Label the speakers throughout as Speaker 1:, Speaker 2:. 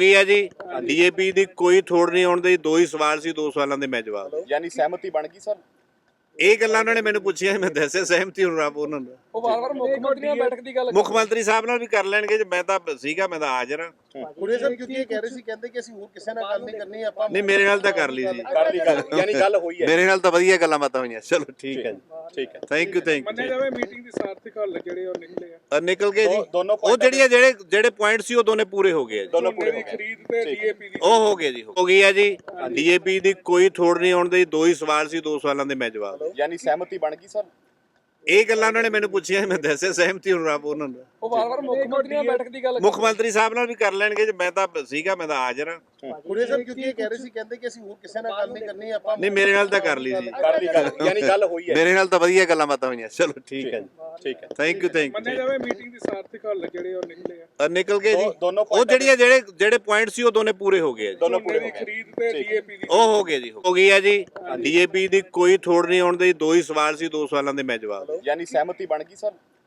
Speaker 1: ਗਈ ਹੈ ਜੀ। ਡੀਏਪੀ ਦੀ ਕੋਈ ਥੋੜ ਨਹੀਂ ਆਉਣ ਦੀ। 2 ਹੀ ਸਵਾਲ ਸੀ, 2 ਸਵਾਲਾਂ ਦੇ ਮੈਂ ਜਵਾਬ ਦਿੱਤੇ।
Speaker 2: ਯਾਨੀ ਸਹਿਮਤੀ ਬਣ ਗਈ ਸਰ।
Speaker 1: ਇਹ ਗੱਲਾਂ ਉਹਨਾਂ ਨੇ ਮੈਨੂੰ ਪੁੱਛੀਆਂ, ਮੈਂ ਦੱਸਿਆ ਸਹਿਮਤੀ ਹੁਣ ਰੱਬ ਉਹਨਾਂ ਦਾ।
Speaker 3: ਉਹ ਵਾਰ-ਵਾਰ ਮੁੱਖ ਮੰਤਰੀ ਨਾਲ ਬੈਠਕ ਦੀ ਗੱਲ
Speaker 1: ਮੁੱਖ ਮੰਤਰੀ ਸਾਹਿਬ ਨਾਲ ਵੀ ਕਰ ਲੈਣਗੇ ਜੇ ਮੈਂ ਤਾਂ ਸੀਗਾ, ਮੈਂ ਤਾਂ ਹਾਜ਼ਰ ਹਾਂ।
Speaker 4: ਕੁੜੇ ਸਾਹਿਬ ਕਿਉਂਕਿ ਇਹ ਕਹਿ ਰਹੇ ਸੀ, ਕਹਿੰਦੇ ਕਿ ਅਸੀਂ ਹੋਰ ਕਿਸੇ ਨਾਲ ਗੱਲ ਨਹੀਂ ਕਰਨੀ, ਆਪਾਂ
Speaker 1: ਨਹੀਂ, ਮੇਰੇ ਨਾਲ ਤਾਂ ਕਰ ਲਈ ਸੀ।
Speaker 2: ਕਰ ਲਈ ਗੱਲ, ਯਾਨੀ ਗੱਲ ਹੋਈ ਹੈ।
Speaker 1: ਮੇਰੇ ਨਾਲ ਤਾਂ ਵਧੀਆ ਗੱਲਾਂ ਬਾਤਾਂ ਹੋਈਆਂ। ਚਲੋ ਠੀਕ ਹੈ ਜੀ,
Speaker 2: ਠੀਕ ਹੈ।
Speaker 1: ਥੈਂਕ ਯੂ
Speaker 3: ਮੰਨਿਆ ਜਾਵੇ ਮੀਟਿੰਗ ਦੀ ਸਾਰਥਕ ਹੱਲ ਜਿਹੜੇ ਉਹ ਨਿਕਲੇ ਆ।
Speaker 1: ਨਿਕਲ ਗਏ ਜੀ।
Speaker 2: ਦੋਨੋਂ
Speaker 1: ਉਹ ਜਿਹੜੇ ਪੁਆਇੰਟ ਸੀ ਉਹ ਦੋਨੇ ਪੂਰੇ ਹੋ ਗਏ ਜੀ।
Speaker 2: ਦੋਨੋਂ ਪੂਰੇ
Speaker 3: ਦੀ ਖਰੀਦ ਤੇ ਡੀਏਪੀ ਦੀ
Speaker 1: ਉਹ ਹੋ ਗਏ ਜੀ, ਹੋ ਗਈ ਹੈ ਜੀ। ਡੀਏਪੀ ਦੀ ਕੋਈ ਥੋੜ ਨਹੀਂ ਆਉਣ ਦੀ। 2 ਹੀ ਸਵਾਲ ਸੀ, 2 ਸਵਾਲਾਂ ਦੇ ਮੈਂ ਜਵਾਬ ਦਿੱਤੇ।
Speaker 2: ਯਾਨੀ ਸਹਿਮਤੀ ਬਣ ਗਈ ਸਰ।
Speaker 1: ਇਹ ਗੱਲਾਂ ਉਹਨਾਂ ਨੇ ਮੈਨੂੰ ਪੁੱਛੀਆਂ, ਮੈਂ ਦੱਸਿਆ ਸਹਿਮਤੀ ਹੁਣ ਰੱਬ ਉਹਨਾਂ ਦਾ।
Speaker 3: ਉਹ ਵਾਰ-ਵਾਰ ਮੁੱਖ ਮੰਤਰੀ ਨਾਲ ਬੈਠਕ ਦੀ ਗੱਲ
Speaker 1: ਮੁੱਖ ਮੰਤਰੀ ਸਾਹਿਬ ਨਾਲ ਵੀ ਕਰ ਲੈਣਗੇ ਜੇ ਮੈਂ ਤਾਂ ਸੀਗਾ, ਮੈਂ ਤਾਂ ਹਾਜ਼ਰ ਹਾਂ।
Speaker 4: ਕੁੜੇ ਸਾਹਿਬ ਕਿਉਂਕਿ ਇਹ ਕਹਿ ਰਹੇ ਸੀ, ਕਹਿੰਦੇ ਕਿ ਅਸੀਂ ਹੋਰ ਕਿਸੇ ਨਾਲ ਗੱਲ ਨਹੀਂ ਕਰਨੀ, ਆਪਾਂ
Speaker 1: ਨਹੀਂ, ਮੇਰੇ ਨਾਲ ਤਾਂ ਕਰ ਲਈ ਸੀ।
Speaker 2: ਕਰ ਲਈ ਗੱਲ, ਯਾਨੀ ਗੱਲ ਹੋਈ ਹੈ।
Speaker 1: ਮੇਰੇ ਨਾਲ ਤਾਂ ਵਧੀਆ ਗੱਲਾਂ ਬਾਤਾਂ ਹੋਈਆਂ। ਚਲੋ ਠੀਕ ਹੈ ਜੀ,
Speaker 2: ਠੀਕ ਹੈ।
Speaker 1: ਥੈਂਕ ਯੂ
Speaker 3: ਮੰਨਿਆ ਜਾਵੇ ਮੀਟਿੰਗ ਦੀ ਸਾਰਥਕ ਹੱਲ ਜਿਹੜੇ ਉਹ ਨਿਕਲੇ ਆ।
Speaker 1: ਨਿਕਲ ਗਏ ਜੀ।
Speaker 2: ਦੋਨੋਂ
Speaker 1: ਉਹ ਜਿਹੜੇ ਪੁਆਇੰਟ ਸੀ ਉਹ ਦੋਨੇ ਪੂਰੇ ਹੋ ਗਏ ਜੀ।
Speaker 2: ਦੋਨੋਂ ਪੂਰੇ
Speaker 3: ਦੀ ਖਰੀਦ ਤੇ ਡੀਏਪੀ ਦੀ
Speaker 1: ਉਹ ਹੋ ਗਏ ਜੀ, ਹੋ ਗਈ ਹੈ ਜੀ। ਡੀਏਪੀ ਦੀ ਕੋਈ ਥੋੜ ਨਹੀਂ ਆਉਣ ਦੀ। 2 ਹੀ ਸਵਾਲ ਸੀ, 2 ਸਵਾਲਾਂ ਦੇ ਮੈਂ ਜਵਾਬ ਦਿੱਤੇ।
Speaker 2: ਯਾਨੀ ਸਹਿਮਤੀ ਬਣ ਗਈ ਸਰ।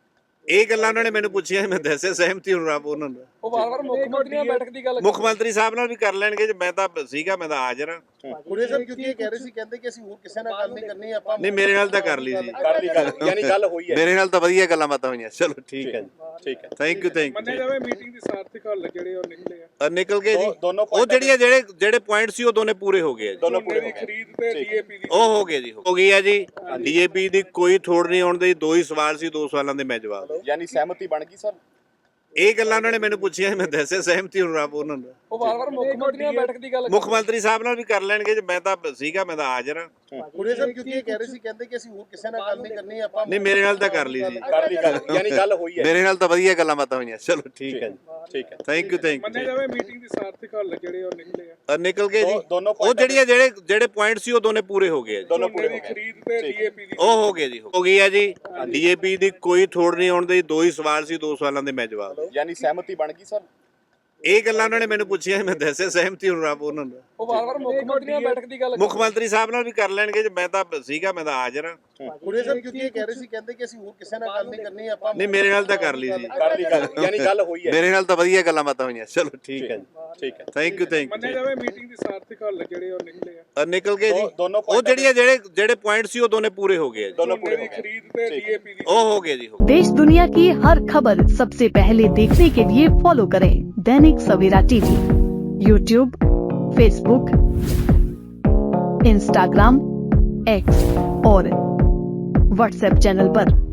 Speaker 1: ਇਹ ਗੱਲਾਂ ਉਹਨਾਂ ਨੇ ਮੈਨੂੰ ਪੁੱਛੀਆਂ, ਮੈਂ ਦੱਸਿਆ ਸਹਿਮਤੀ ਹੁਣ ਰੱਬ ਉਹਨਾਂ ਦਾ।
Speaker 3: ਉਹ ਵਾਰ-ਵਾਰ ਮੁੱਖ ਮੰਤਰੀ ਨਾਲ ਬੈਠਕ ਦੀ ਗੱਲ
Speaker 1: ਮੁੱਖ ਮੰਤਰੀ ਸਾਹਿਬ ਨਾਲ ਵੀ ਕਰ ਲੈਣਗੇ ਜੇ ਮੈਂ ਤਾਂ ਸੀਗਾ, ਮੈਂ ਤਾਂ ਹਾਜ਼ਰ ਹਾਂ।
Speaker 4: ਕੁੜੇ ਸਾਹਿਬ ਕਿਉਂਕਿ ਇਹ ਕਹਿ ਰਹੇ ਸੀ, ਕਹਿੰਦੇ ਕਿ ਅਸੀਂ ਹੋਰ ਕਿਸੇ ਨਾਲ ਗੱਲ ਨਹੀਂ ਕਰਨੀ, ਆਪਾਂ
Speaker 1: ਨਹੀਂ, ਮੇਰੇ ਨਾਲ ਤਾਂ ਕਰ ਲਈ ਸੀ।
Speaker 2: ਕਰ ਲਈ ਗੱਲ, ਯਾਨੀ ਗੱਲ ਹੋਈ ਹੈ।
Speaker 1: ਮੇਰੇ ਨਾਲ ਤਾਂ ਵਧੀਆ ਗੱਲਾਂ ਬਾਤਾਂ ਹੋਈਆਂ। ਚਲੋ ਠੀਕ ਹੈ ਜੀ,
Speaker 2: ਠੀਕ ਹੈ।
Speaker 1: ਥੈਂਕ ਯੂ
Speaker 3: ਮੰਨਿਆ ਜਾਵੇ ਮੀਟਿੰਗ ਦੀ ਸਾਰਥਕ ਹੱਲ ਜਿਹੜੇ ਉਹ ਨਿਕਲੇ ਆ।
Speaker 1: ਨਿਕਲ ਗਏ ਜੀ।
Speaker 2: ਦੋਨੋਂ
Speaker 1: ਉਹ ਜਿਹੜੇ ਪੁਆਇੰਟ ਸੀ ਉਹ ਦੋਨੇ ਪੂਰੇ ਹੋ ਗਏ ਜੀ।
Speaker 2: ਦੋਨੋਂ ਪੂਰੇ
Speaker 3: ਦੀ ਖਰੀਦ ਤੇ ਡੀਏਪੀ ਦੀ
Speaker 1: ਉਹ ਹੋ ਗਏ ਜੀ, ਹੋ ਗਈ ਹੈ ਜੀ। ਡੀਏਪੀ ਦੀ ਕੋਈ ਥੋੜ ਨਹੀਂ ਆਉਣ ਦੀ। 2 ਹੀ ਸਵਾਲ ਸੀ, 2 ਸਵਾਲਾਂ ਦੇ ਮੈਂ ਜਵਾਬ ਦਿੱਤੇ।
Speaker 2: ਯਾਨੀ ਸਹਿਮਤੀ ਬਣ ਗਈ ਸਰ।
Speaker 1: ਇਹ ਗੱਲਾਂ ਉਹਨਾਂ ਨੇ ਮੈਨੂੰ ਪੁੱਛੀਆਂ, ਮੈਂ ਦੱਸਿਆ ਸਹਿਮਤੀ ਹੁਣ ਰੱਬ ਉਹਨਾਂ ਦਾ।
Speaker 3: ਉਹ ਵਾਰ-ਵਾਰ ਮੁੱਖ ਮੰਤਰੀ ਨਾਲ ਬੈਠਕ ਦੀ ਗੱਲ
Speaker 1: ਮੁੱਖ ਮੰਤਰੀ ਸਾਹਿਬ ਨਾਲ ਵੀ ਕਰ ਲੈਣਗੇ ਜੇ ਮੈਂ ਤਾਂ ਸੀਗਾ, ਮੈਂ ਤਾਂ ਹਾਜ਼ਰ ਹਾਂ।
Speaker 4: ਕੁੜੇ ਸਾਹਿਬ ਕਿਉਂਕਿ ਇਹ ਕਹਿ ਰਹੇ ਸੀ, ਕਹਿੰਦੇ ਕਿ ਅਸੀਂ ਹੋਰ ਕਿਸੇ ਨਾਲ ਗੱਲ ਨਹੀਂ ਕਰਨੀ, ਆਪਾਂ
Speaker 1: ਨਹੀਂ, ਮੇਰੇ ਨਾਲ ਤਾਂ ਕਰ ਲਈ ਸੀ।
Speaker 2: ਕਰ ਲਈ ਗੱਲ, ਯਾਨੀ ਗੱਲ ਹੋਈ ਹੈ।
Speaker 1: ਮੇਰੇ ਨਾਲ ਤਾਂ ਵਧੀਆ ਗੱਲਾਂ ਬਾਤਾਂ ਹੋਈਆਂ। ਚਲੋ ਠੀਕ ਹੈ ਜੀ,
Speaker 2: ਠੀਕ ਹੈ।
Speaker 1: ਥੈਂਕ ਯੂ
Speaker 3: ਮੰਨਿਆ ਜਾਵੇ ਮੀਟਿੰਗ ਦੀ ਸਾਰਥਕ ਹੱਲ ਜਿਹੜੇ ਉਹ ਨਿਕਲੇ ਆ।
Speaker 1: ਨਿਕਲ ਗਏ ਜੀ।
Speaker 2: ਦੋਨੋਂ
Speaker 1: ਉਹ ਜਿਹੜੇ ਪੁਆਇੰਟ ਸੀ ਉਹ ਦੋਨੇ ਪੂਰੇ ਹੋ ਗਏ ਜੀ।
Speaker 2: ਦੋਨੋਂ ਪੂਰੇ
Speaker 3: ਦੀ ਖਰੀਦ ਤੇ ਡੀਏਪੀ ਦੀ
Speaker 1: ਉਹ ਹੋ ਗਏ ਜੀ, ਹੋ ਗਈ ਹੈ ਜੀ। ਡੀਏਪੀ ਦੀ ਕੋਈ ਥੋੜ ਨਹੀਂ ਆਉਣ ਦੀ। 2 ਹੀ ਸਵਾਲ ਸੀ, 2 ਸਵਾਲਾਂ ਦੇ ਮੈਂ ਜਵਾਬ ਦਿੱਤੇ।
Speaker 2: ਯਾਨੀ ਸਹਿਮਤੀ ਬਣ ਗਈ ਸਰ।
Speaker 1: ਇਹ ਗੱਲਾਂ ਉਹਨਾਂ ਨੇ ਮੈਨੂੰ ਪੁੱਛੀਆਂ, ਮੈਂ ਦੱਸਿਆ ਸਹਿਮਤੀ ਹੁਣ ਰੱਬ ਉਹਨਾਂ ਦਾ।
Speaker 3: ਉਹ ਵਾਰ-ਵਾਰ ਮੁੱਖ ਮੰਤਰੀ ਨਾਲ ਬੈਠਕ ਦੀ ਗੱਲ
Speaker 1: ਮੁੱਖ ਮੰਤਰੀ ਸਾਹਿਬ ਨਾਲ ਵੀ ਕਰ ਲੈਣਗੇ ਜੇ ਮੈਂ ਤਾਂ ਸੀਗਾ, ਮੈਂ ਤਾਂ ਹਾਜ਼ਰ ਹਾਂ।
Speaker 4: ਕੁੜੇ ਸਾਹਿਬ ਕਿਉਂਕਿ ਇਹ ਕਹਿ ਰਹੇ ਸੀ, ਕਹਿੰਦੇ ਕਿ ਅਸੀਂ ਹੋਰ ਕਿਸੇ ਨਾਲ ਗੱਲ ਨਹੀਂ ਕਰਨੀ, ਆਪਾਂ
Speaker 1: ਨਹੀਂ, ਮੇਰੇ ਨਾਲ ਤਾਂ ਕਰ ਲਈ ਸੀ।
Speaker 2: ਕਰ ਲਈ ਗੱਲ, ਯਾਨੀ ਗੱਲ ਹੋਈ ਹੈ।
Speaker 1: ਮੇਰੇ ਨਾਲ ਤਾਂ ਵਧੀਆ ਗੱਲਾਂ ਬਾਤਾਂ ਹੋਈਆਂ। ਚਲੋ ਠੀਕ ਹੈ ਜੀ,
Speaker 2: ਠੀਕ ਹੈ।
Speaker 1: ਥੈਂਕ ਯੂ
Speaker 3: ਮੰਨਿਆ ਜਾਵੇ ਮੀਟਿੰਗ ਦੀ ਸਾਰਥਕ ਹੱਲ ਜਿਹੜੇ ਉਹ ਨਿਕਲੇ ਆ।
Speaker 1: ਨਿਕਲ ਗਏ ਜੀ।
Speaker 2: ਦੋਨੋਂ
Speaker 1: ਉਹ ਜਿਹੜੇ ਪੁਆਇੰਟ ਸੀ ਉਹ ਦੋਨੇ ਪੂਰੇ ਹੋ ਗਏ ਜੀ।
Speaker 2: ਦੋਨੋਂ ਪੂਰੇ
Speaker 3: ਦੀ ਖਰੀਦ ਤੇ ਡੀਏਪੀ ਦੀ
Speaker 1: ਉਹ ਹੋ ਗਏ ਜੀ, ਹੋ
Speaker 5: देश दुनिया की हर खबर सबसे पहले देखने के लिए फॉलो करें Dainik Savera TV, YouTube, Facebook, Instagram, X और व्हाट्सएप चैनल पर।